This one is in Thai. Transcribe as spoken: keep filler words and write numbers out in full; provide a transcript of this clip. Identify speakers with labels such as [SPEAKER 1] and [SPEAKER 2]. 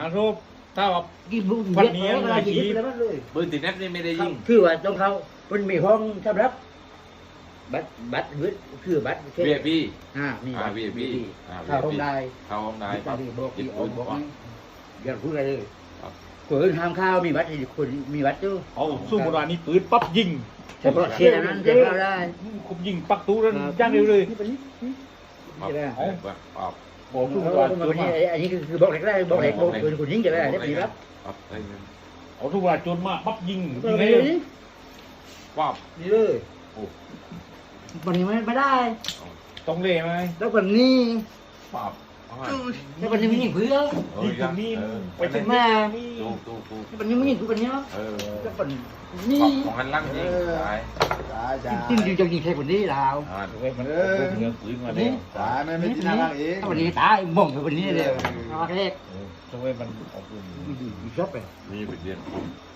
[SPEAKER 1] รบถ้าว่า
[SPEAKER 2] กี่บุ้ง
[SPEAKER 1] วัน
[SPEAKER 2] เบียด
[SPEAKER 1] นี้
[SPEAKER 2] อะไรกี่บุ้งแล้วเลย
[SPEAKER 3] ปืนติดแนบนี่ไม่ได้ยิง
[SPEAKER 2] คือว่าต้องเขาเป็นมีห้องสำหรับบัตรบัตรหรือคือบัตร
[SPEAKER 3] วีไอพี
[SPEAKER 2] อ่ามี
[SPEAKER 3] อ่า
[SPEAKER 2] บัตร
[SPEAKER 3] วีไอพีอ่า
[SPEAKER 2] เข้าห้องได้
[SPEAKER 3] เข้าห้องได้
[SPEAKER 2] บัตรบอก
[SPEAKER 3] หยิ
[SPEAKER 2] ที่
[SPEAKER 3] บ
[SPEAKER 2] อ
[SPEAKER 3] ปื
[SPEAKER 2] อก
[SPEAKER 3] น
[SPEAKER 2] บอก
[SPEAKER 3] ก่อน
[SPEAKER 2] นี่อย่าพูดอะไรเลย
[SPEAKER 3] ครับ
[SPEAKER 2] คนห้ามข้าวมีบัตรคนมีบัตรอยู่
[SPEAKER 1] เอาสู้โบราณนี่ปืนปั๊บยิง
[SPEAKER 2] เฉพาะเชียร์นั้นจะเข้าได้
[SPEAKER 1] คุมยิงปักตู้แล้วย่างเร็วเลย
[SPEAKER 2] นี่เป็นนี่
[SPEAKER 3] มา
[SPEAKER 2] จะได้
[SPEAKER 3] เอาเอา
[SPEAKER 1] บอกสู้โบ
[SPEAKER 2] ตัว
[SPEAKER 1] ราณ
[SPEAKER 2] นี้อันนี้คือบอกเล็กได้บอกเล็กบอกคนคนยิงจะได้ได้ปีครับ
[SPEAKER 3] ครับได้เงิน
[SPEAKER 1] เอาสู้โบราณจนมาปั๊บยิง
[SPEAKER 2] เอ
[SPEAKER 1] ยิง
[SPEAKER 2] อ
[SPEAKER 1] ให้
[SPEAKER 2] นี่
[SPEAKER 3] ว้าว
[SPEAKER 2] นี่เลยวันนี้ไม่ไม่ได้
[SPEAKER 1] ต้องเล่ไหม
[SPEAKER 2] แล้ววันนี้
[SPEAKER 3] ว้าว
[SPEAKER 2] แล้ววันนี้ไม่ยิงเพื่อ
[SPEAKER 1] ยิงถึงนี่ไปถึง
[SPEAKER 2] แม่
[SPEAKER 1] นี่
[SPEAKER 3] ตู้ตู้ตู้
[SPEAKER 2] แล้ววันนี้ไม่ยิงทุกวันนี้
[SPEAKER 3] เออ
[SPEAKER 2] แล้ววัน
[SPEAKER 3] ข
[SPEAKER 2] นี้
[SPEAKER 3] องของหันล่างยิงตาย
[SPEAKER 4] ตายจ้า
[SPEAKER 2] จริงจริงจะยิงใครคนนี้ลาว
[SPEAKER 3] อ่า
[SPEAKER 1] เว้ยมันเอาเงินปืนมาแล้ว
[SPEAKER 4] ตายไม่ไม่จินตนาการเอง
[SPEAKER 2] ถ้าวันนี้ตายมองไปวันนี้เลยเอาแรก
[SPEAKER 1] ทำไมมันเอาปืน
[SPEAKER 2] ชอบไป
[SPEAKER 3] มีไปเรียน